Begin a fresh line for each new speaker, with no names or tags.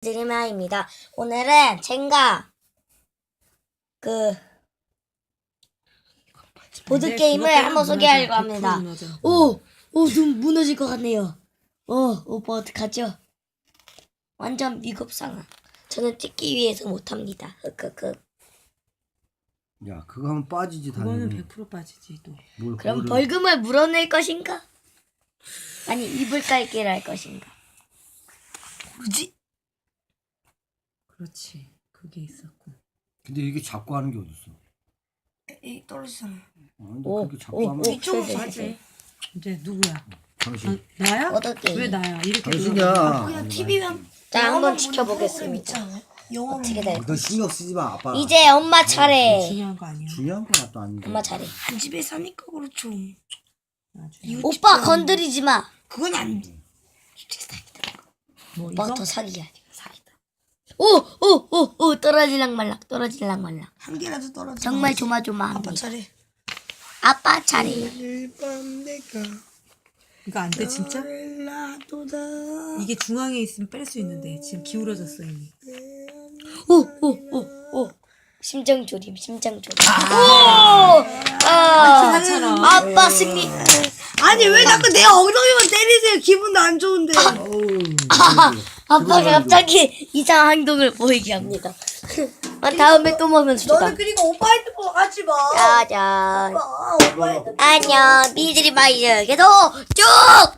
드리마입니다. 오늘은 젠가 보드 게임을 한번 소개하려고 합니다. 눈 무너질 것 같네요. 오빠 어떡하죠? 완전 미급상황. 저는 뛰기 위해서 못합니다.
야, 그거 하면 빠지지
그거는
당연히.
100% 빠지지 또.
그럼 벌금을 물어낼 것인가? 아니 이불 깔기를 할 것인가? 모르지?
그렇지. 그게 있었고.
근데 이게 잡고 하는 게 어딨어?
이 떨어지잖아.
근데 그렇게 잡고 하면
이쪽으로
맞지. 이제 누구야?
당신.
나야?
보드 게임.
왜 나야? 이렇게
당신이야.
그냥 TV만
자, 한번 지켜보겠습니다. 어떻게 될까?
너 신경 쓰지 마, 아빠.
이제 엄마 차례.
중요한 거 아니야.
중요한 건 또 아닌데.
엄마 차례.
한 집에 사니까 그렇죠.
나중에.
오빠 건드리지 마.
그건 안
뭐
오빠가
이거?
더 사기야. 사기다. 오 떨어질랑 말랑 떨어질랑 말랑.
한 개라도 떨어져.
정말
아빠
조마조마합니다.
차례.
아빠 차례.
일밤 내가
이거 안 돼 진짜?
놔도다.
이게 중앙에 있으면 뺄 수 있는데 지금 기울어졌어 이미.
오. 심장 조림, 심장 조림. 아빠 승리.
아니 왜 자꾸 내 엉덩이만 때리세요? 기분도 안 좋은데.
아빠가 갑자기 이상한 행동을 보이게 합니다. 다음에 또 먹으면 주다.
너는 그리고 오빠 핸드폰 하지 마.
짜잔.
오빠 핸드폰.
안녕. 미드리 마이즈 계속 쭉.